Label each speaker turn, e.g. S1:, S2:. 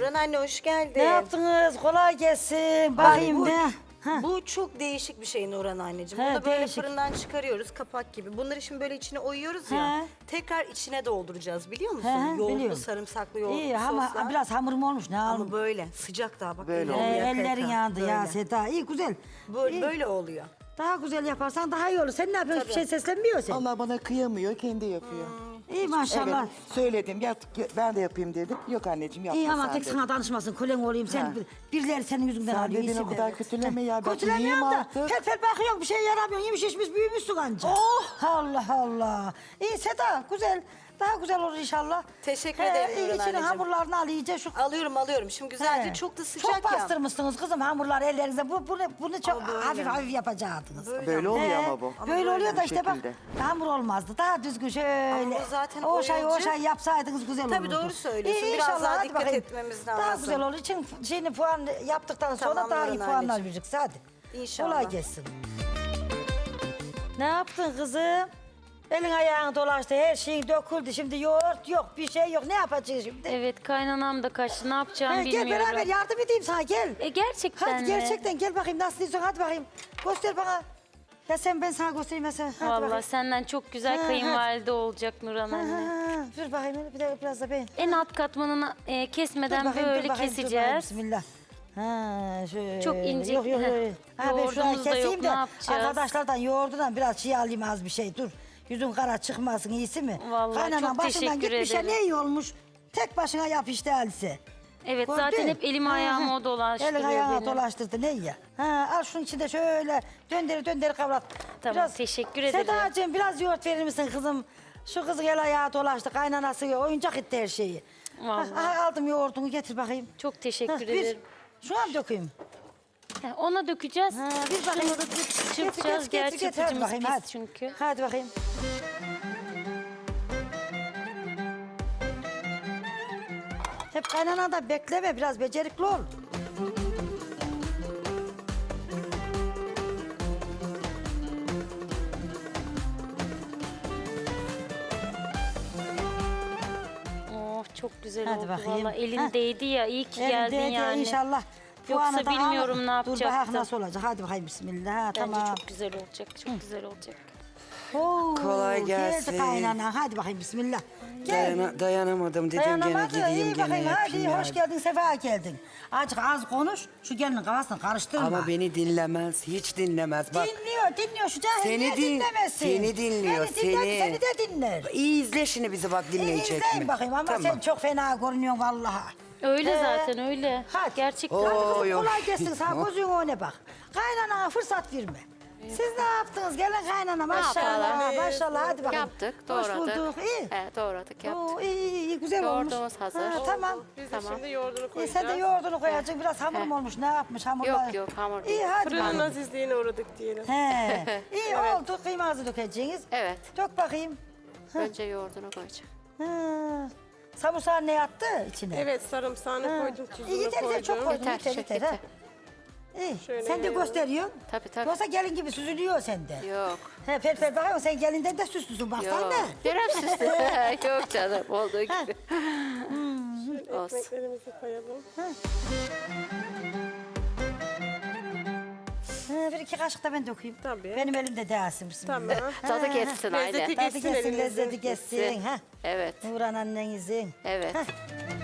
S1: Nurhan anne hoş geldin.
S2: Ne yaptınız? Kolay gelsin. Bakayım
S1: bu,
S2: ne?
S1: bu çok değişik bir şey Nurhan anneciğim.
S2: He,
S1: Bunu böyle
S2: değişik.
S1: fırından çıkarıyoruz kapak gibi. Bunları şimdi böyle içine oyuyoruz ya.
S2: He.
S1: Tekrar içine dolduracağız biliyor musun?
S2: He,
S1: Yoğurtlu,
S2: biliyorum.
S1: sarımsaklı yoğurtlu
S2: İyi ama
S1: soslar.
S2: biraz hamurum olmuş. Ne
S1: Ama
S2: aldım?
S1: böyle sıcak daha bak.
S3: Böyle
S1: ellerini
S3: oluyor.
S1: yaka
S2: Ellerin
S1: yaka.
S2: yandı ya
S1: Böyle.
S2: Seda. İyi güzel.
S1: Böyle,
S2: İyi.
S1: böyle oluyor.
S2: Daha güzel yaparsan daha iyi olur. Sen ne yapıyorsun? Hiçbir şey seslenmiyorsun.
S3: Allah bana kıyamıyor, kendi yapıyor.
S2: İyi maşallah.
S3: Evet, söyledim. Ben de yapayım dedim. Yok anneciğim yapma
S2: İyi ama
S3: sen
S2: tek
S3: dedi.
S2: sana danışmasın. Kolen olayım. Sen
S3: Ha.
S2: birileri senin yüzünden
S3: Sen
S2: alıyor.
S3: dedin
S2: iyisin
S3: o kadar
S2: de.
S3: kötüleme ya. Ben
S2: Kötülemiyorum
S3: iyiyim
S2: da.
S3: artık.
S2: Pel pel bakıyorsun bir şey yaramıyorsun. Yemiş içmiş büyümüşsün anca. Oh! Allah Allah. İyi Seda güzel. Daha güzel olur inşallah.
S1: Teşekkür ederim
S2: iyi,
S1: Nurhan
S2: içine
S1: anneciğim.
S2: hamurlarını al iyice şu.
S1: Alıyorum. Şimdi güzelce
S2: He.
S1: çok da sıcak
S2: Çok
S1: ya.
S2: bastırmışsınız kızım hamurlar ellerinize. Bunu çok
S1: Ama böyle.
S2: hafif hafif yapacaktınız.
S3: Böyle oluyor
S2: He,
S3: ama bu.
S2: Böyle oluyor da
S3: Bu
S2: işte bak
S3: şekilde.
S2: hamur olmazdı. Daha düzgün şöyle.
S1: Ama bu zaten
S2: o
S1: oyuncu.
S2: şey yapsaydınız güzel olurdu.
S1: Tabii doğru söylüyorsun. Biraz
S2: inşallah,
S1: daha
S2: hadi
S1: dikkat
S2: bakayım.
S1: etmemiz
S2: Daha
S1: lazım.
S2: güzel olur. için şeyini puan yaptıktan sonra
S1: Tamam,
S2: daha iyi
S1: Nurhan
S2: puanlar
S1: anneciğim.
S2: vereceksin. Hadi.
S1: İnşallah.
S2: Kolay gelsin. Ne yaptın kızım? Elin ayağın dolaştı, her şeyin döküldü. Şimdi yoğurt yok, bir şey yok. Ne yapacaksın şimdi?
S4: Evet kaynanam da kaçtı. Ne yapacağımı
S2: Gel
S4: bilmiyorum.
S2: beraber yardım edeyim sana gel.
S4: Gerçekten
S2: Hadi
S4: mi?
S2: gerçekten gel bakayım nasıl diyorsun hadi bakayım. Göster bana. Ya sen ben sana göstereyim mesela. Hadi
S4: Vallahi
S2: bakayım.
S4: senden çok güzel
S2: Ha,
S4: kayınvalide olacak Nurhan
S2: Ha,
S4: anne.
S2: ha, dur bakayım biraz da ben.
S4: En alt katmanını kesmeden
S2: Dur bakayım,
S4: böyle
S2: dur bakayım, dur bakayım,
S4: keseceğiz.
S2: Bismillah. Ha, şöyle.
S4: Çok ince.
S2: Yok. Ha, ben şuradan
S4: Yoğurdumuz da yok,
S2: keseyim de
S4: ne yapacağız?
S2: arkadaşlardan yoğurdudan biraz şey alayım az bir şey dur. Yüzün kara çıkmasın iyisi mi?
S4: Vallahi
S2: Kaynanan
S4: çok
S2: başından
S4: teşekkür
S2: gitmişe
S4: ederim.
S2: ne iyi olmuş. Tek başına yap işte Alice.
S4: Evet
S2: Gördün?
S4: zaten hep elimi
S2: Ha,
S4: ayağımı
S2: ha.
S4: o dolaştırıyor
S2: Elin ayağına
S4: benim.
S2: dolaştırdı ne ya? Ha, al şunun içinde şöyle döndür kavrat.
S4: Tamam, teşekkür ederim.
S2: Sedacığım biraz yoğurt verir misin kızım? Şu kızın el ayağı dolaştı kaynanası oyuncak etti her şeyi.
S4: Vallahi.
S2: Ha, aldım yoğurdunu getir bakayım.
S4: Çok teşekkür
S2: Ha, bir.
S4: ederim.
S2: Şu an dökeyim.
S4: Ona dökeceğiz.
S2: Ha, bir bakayım.
S4: Şunu da çırpacağız. Gerçi
S2: Hadi
S4: çırpıcımız
S2: bakayım,
S4: pis
S2: hadi.
S4: çünkü.
S2: Hadi bakayım. Hep kaynanada bekleme biraz becerikli ol.
S4: Oh çok güzel
S2: Hadi
S4: oldu
S2: bakayım.
S4: valla. Elin
S2: Ha.
S4: değdi ya. İyi ki geldin
S2: Elinde de
S4: yani.
S2: İnşallah.
S4: Yoksa
S2: puanı da
S4: bilmiyorum
S2: al.
S4: ne
S2: Dur
S4: yapacaktım.
S2: bak nasıl olacak. Hadi bakayım bismillah. Ha,
S4: Bence
S2: tamam.
S4: çok güzel olacak. Çok güzel olacak.
S2: Oo,
S5: Kolay gelsin.
S2: Geldi kaynana. Hadi bakayım bismillah. Gel.
S5: Dayanamadım dedim gene
S2: Dayanamadı.
S5: gideyim
S2: İyi
S5: gene
S2: bakayım hadi
S5: yapayım ya.
S2: hoş geldin sefa geldin. Azıcık az konuş şu gelinin kafasını karıştırma.
S5: Ama beni dinlemez, hiç dinlemez. Bak
S2: Dinliyor şu cahil
S5: Seni
S2: niye
S5: din-
S2: dinlemesin?
S5: seni dinliyor,
S2: Beni dinler,
S5: seni.
S2: seni de dinler.
S5: iyi izle şimdi bizi bak dinleyecek
S2: İzleyin
S5: mi?
S2: bakayım ama
S5: Tamam.
S2: sen çok fena görünüyorsun vallahi.
S4: Öyle zaten öyle.
S2: Hadi.
S4: Gerçekten.
S2: Hadi kızım
S5: Oy, oy.
S2: kolay gelsin sana gözün önüne bak. Kaynanana fırsat verme. Siz ne yaptınız? Gelin kaynana maşallah.
S6: yapalım?
S2: Maşallah hadi bakalım.
S6: Yaptık,
S2: Hoş
S6: doğradık.
S2: bulduk. İyi.
S6: Doğradık, yaptık.
S2: Oo, iyi güzel olmuş.
S6: Yoğurdumuz hazır.
S2: Ha, tamam.
S7: Biz de
S6: Tamam.
S7: şimdi yoğurdunu
S2: İyi,
S7: koyacağız.
S2: sen de yoğurdunu koyacaksın. Biraz hamurum olmuş. Ne yapmış hamurlar?
S6: Yok, hamur
S2: İyi
S6: değil.
S2: hadi
S7: Fırının
S2: bakalım.
S7: azizliğine uğradık diyelim.
S2: He. İyi oldu. Kıymanızı dökeceğiniz.
S6: Evet.
S2: Dök bakayım.
S6: Önce yoğurdunu koyacağım.
S2: Ha. Samursağı ne yattı içine?
S7: Evet sarımsağını koydum, tuzunu
S2: İyi yeter
S7: koydum.
S2: çok koydun.
S6: Yeter,
S2: Yeter.
S6: yeter.
S2: Ha. İyi.
S7: Şöyle
S2: Sen de
S7: veriyorum.
S2: gösteriyorsun.
S6: Tabii.
S2: Yoksa gelin gibi süzülüyor sende.
S6: Yok.
S2: He pel bakayım sen gelinden de süslüsün baksana.
S6: Yok. Biraz süslü. Yok canım, olduğu gibi. Olsun.
S7: Ekmeklerimizi koyalım.
S2: Bir iki kaşık da ben dökeyim.
S7: Tabii.
S2: Benim elimde değilsin bismillah.
S7: Tamam.
S6: Tadı geçsin
S7: Lezzeti
S6: aile.
S2: Tadı
S7: geçsin
S2: geçsin,
S7: elimizin.
S2: lezzeti geçsin. Ha.
S6: Evet.
S2: Nurhan annenizin.
S6: Evet.
S2: Heh.